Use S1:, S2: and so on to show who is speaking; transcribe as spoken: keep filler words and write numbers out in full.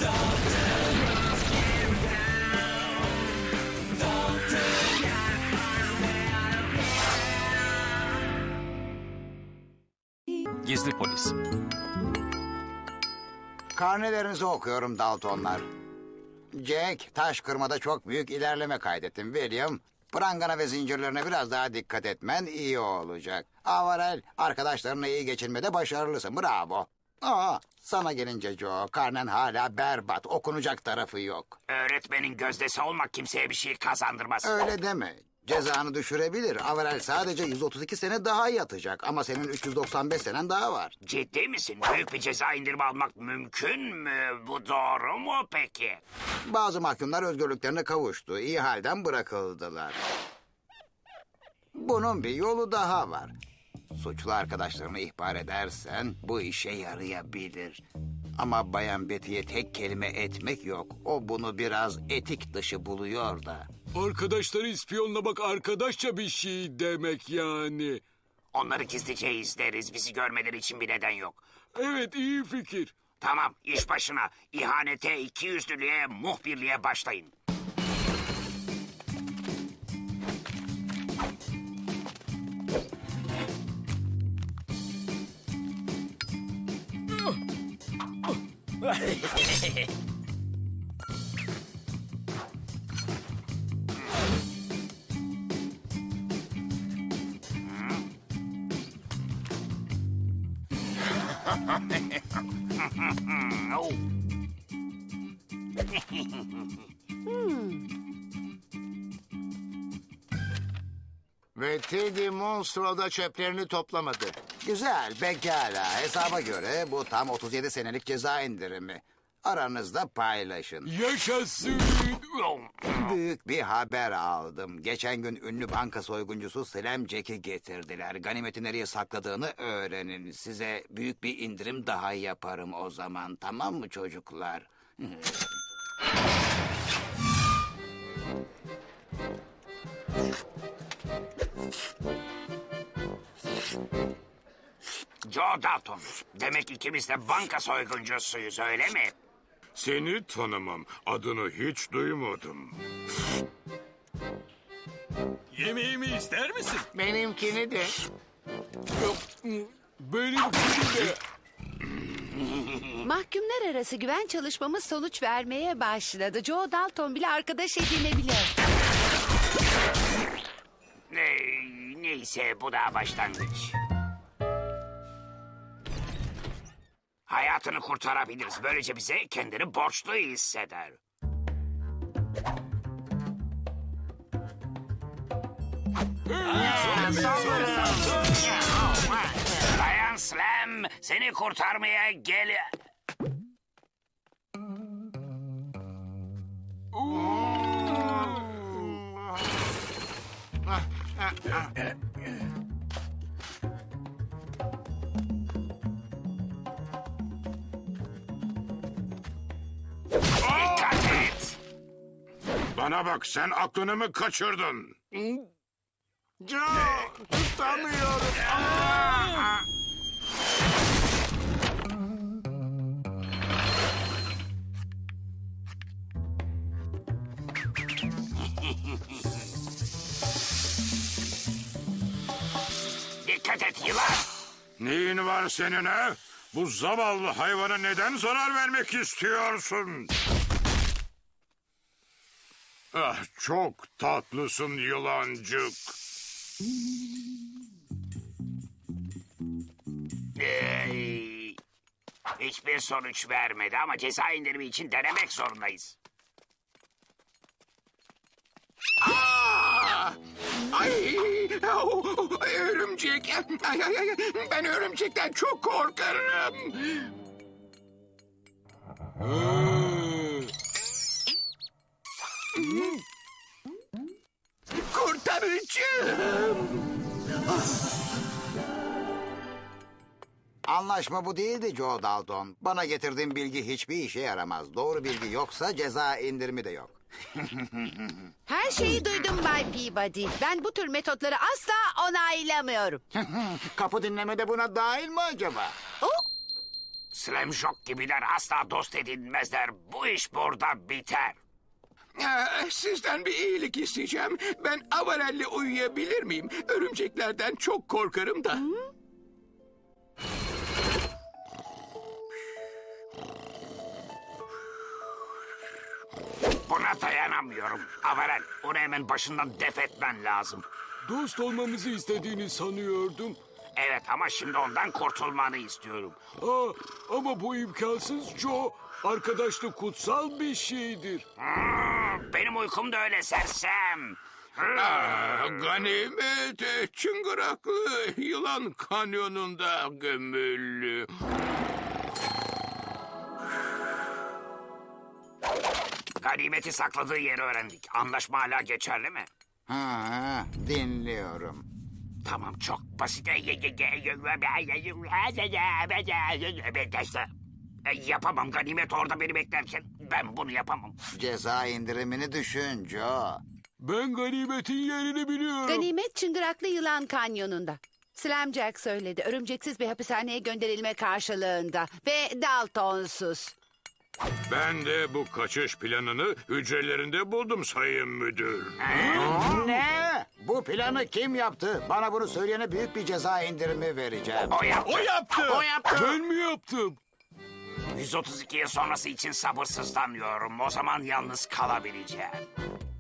S1: Gizli polis.
S2: Karnelerinizi okuyorum Daltonlar. Jack, taş kırmada çok büyük ilerleme kaydettin. William, prangana ve zincirlerine biraz daha dikkat etmen iyi olacak. Avarel, arkadaşlarına iyi geçinmede başarılısın. Bravo. Aa, sana gelince Joe, karnen hala berbat. Okunacak tarafı yok.
S3: Öğretmenin gözdesi olmak kimseye bir şey kazandırmaz.
S2: Öyle deme. Cezanı düşürebilir. Avarel sadece yüz otuz iki sene daha yatacak. Ama senin üç yüz doksan beş senen daha var.
S3: Ciddi misin? Büyük bir ceza indirimi almak mümkün mü? Bu doğru mu peki?
S2: Bazı mahkumlar özgürlüklerine kavuştu. İyi halden bırakıldılar. Bunun bir yolu daha var. Suçlu arkadaşlarını ihbar edersen bu işe yarayabilir. Ama Bayan Betty'ye tek kelime etmek yok. O bunu biraz etik dışı buluyor da.
S4: Arkadaşları ispiyonlamak arkadaşça bir şey demek yani.
S3: Onları gizlice izleriz. Bizi görmeleri için bir neden yok.
S4: Evet, iyi fikir.
S3: Tamam, iş başına. İhanete, ikiyüzlülüğe, muhbirliğe başlayın. Oh.
S5: Ve Teddy Monstro'da çöplerini toplamadı.
S2: Güzel, pekala. Hesaba göre bu tam otuz yedi senelik ceza indirimi. Aranızda paylaşın.
S4: Yaşasın.
S2: Büyük bir haber aldım. Geçen gün ünlü banka soyguncusu Slam Jack'i getirdiler. Ganimeti nereye sakladığını öğrenin. Size büyük bir indirim daha yaparım o zaman. Tamam mı çocuklar?
S3: Joe Dalton. Demek ikimiz de banka soyguncusuyuz, öyle mi?
S4: Seni tanımam. Adını hiç duymadım. Yemeğimi ister misin?
S5: Benimkini de.
S4: Benimkini de.
S6: Mahkumlar arası güven çalışmamız sonuç vermeye başladı. Joe Dalton bile arkadaş edinebilir.
S3: Ee, neyse, bu daha başlangıç. Hayatını kurtarabiliriz. Böylece bize kendini borçlu hisseder. Dayan Slam, seni kurtarmaya gel... Dikkat et!
S4: Bana bak, sen aklını mı kaçırdın?
S5: Joe, tutamıyorum.
S3: Dikkat et yılan!
S4: Neyin var senin ha? Bu zavallı hayvana neden zarar vermek istiyorsun? Ah, çok tatlısın yılancık.
S3: Ee, hiçbir sonuç vermedi ama ceza indirimi için denemek zorundayız.
S5: Aa! Ay, oh, örümcek. Ay, ay, ay. Ben örümcekten çok korkarım. Kurtarıcım.
S2: Anlaşma bu değildi Joe Dalton. Bana getirdiğin bilgi hiçbir işe yaramaz. Doğru bilgi yoksa ceza indirimi de yok.
S6: Her şeyi duydum Bay Peabody. Ben bu tür metotları asla onaylamıyorum.
S2: Kapı dinleme de buna dahil mi acaba?
S6: Oh,
S3: Slam Shock gibiler asla dost edinmezler. Bu iş burada biter.
S5: Ee, sizden bir iyilik isteyeceğim. Ben Avarel'le uyuyabilir miyim? Örümceklerden çok korkarım da.
S3: Buna dayanamıyorum. Avarel, onu hemen başından def etmen lazım.
S7: Dost olmamızı istediğini sanıyordum.
S3: Evet ama şimdi ondan kurtulmanı istiyorum.
S7: Aa, ama bu imkansız Joe. Arkadaşlık kutsal bir şeydir.
S3: Hmm, benim uykum da öyle sersem.
S5: Aa, ganimet e, çıngıraklı yılan kanyonunda gömülü.
S3: Ganimeti sakladığı yeri öğrendik. Anlaşma hala geçerli mi?
S2: Ha, ha, dinliyorum.
S3: Tamam, çok basit. E, yapamam, Ganimet orada beni beklerken. Ben bunu yapamam.
S2: Ceza indirimini düşün Joe.
S7: Ben ganimetin yerini biliyorum.
S6: Ganimet Çıngıraklı Yılan Kanyonu'nda. Slamjack söyledi. Örümceksiz bir hapishaneye gönderilme karşılığında. Ve Daltonsuz.
S4: Ben de bu kaçış planını hücrelerinde buldum sayın müdür.
S2: Ne? Bu planı kim yaptı? Bana bunu söyleyene büyük bir ceza indirimi vereceğim.
S3: O yaptı.
S7: O yaptı.
S3: O yaptı.
S7: Ben mi yaptım?
S3: yüz otuz iki yıl sonrası için sabırsızlanıyorum. O zaman yalnız kalabileceğim.